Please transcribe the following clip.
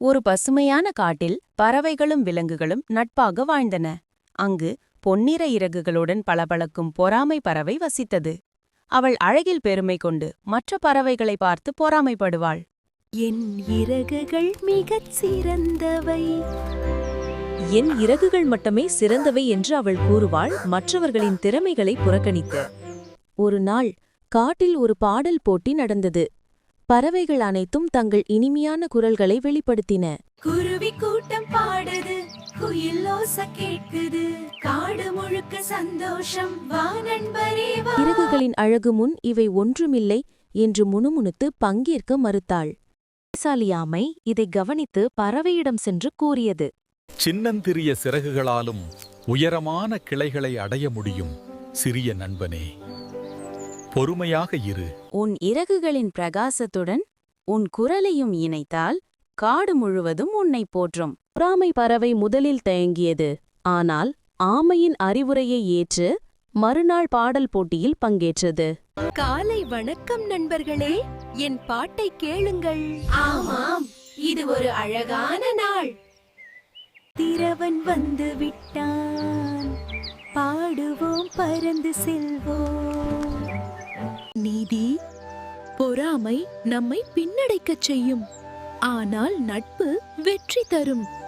ஒரு பசுமையான காட்டில் பறவைகளும் விலங்குகளும் நட்பாக வாழ்ந்தன. அங்கு பொன்னிற இறகுகளுடன் பளபளக்கும் பொறாமை பறவை வசித்தது. அவள் அழகில் பெருமை கொண்டு மற்ற பறவைகளை பார்த்து பொறாமைப்படுவாள். என் இறகுகள் மிகச் சிறந்தவை. என் இறகுகள் மட்டுமே சிறந்தவை என்று அவள் கூறுவாள், மற்றவர்களின் திறமைகளை புறக்கணித்து. ஒரு நாள் காட்டில் ஒரு பாடல் போட்டி நடந்தது. பறவைகள் அனைத்தும் தங்கள் இனிமையான குரல்களை வெளிப்படுத்தின. குருவி கூட்டம் பாடுது, குயில் ஓசை கேட்குது, காடு முழுக்க சந்தோஷம், வா நண்பரே வா. இறகுகளின் அழகு முன் இவை ஒன்றுமில்லை என்று முணுமுணுத்து பங்கேற்க மறுத்தாள். சாலியாமை இதை கவனித்து பறவையிடம் சென்று கூறியது. சின்னந்திரிய சிறகுகளாலும் உயரமான கிளைகளை அடைய முடியும் சிறிய நண்பனே, பொறுமையாக இரு. உன் இறகுகளின் பிரகாசத்துடன் உன் குரலையும் இணைத்தால் காடு முழுவதும் உன்னை போற்றும். பொறாமை பறவை முதலில் தயங்கியது. ஆனால் ஆமையின் அறிவுரையை ஏற்று மறுநாள் பாடல் போட்டியில் பங்கேற்றது. காலை வணக்கம் நண்பர்களே, என் பாட்டை கேளுங்கள். ஆமாம், இது ஒரு அழகான நாள். திரவன் வந்து விட்டான், பாடுவோம், பறந்து செல்வோம். நீதி, பொறாமை நம்மை பின்னடைக்கச் செய்யும், ஆனால் நட்பு வெற்றி தரும்.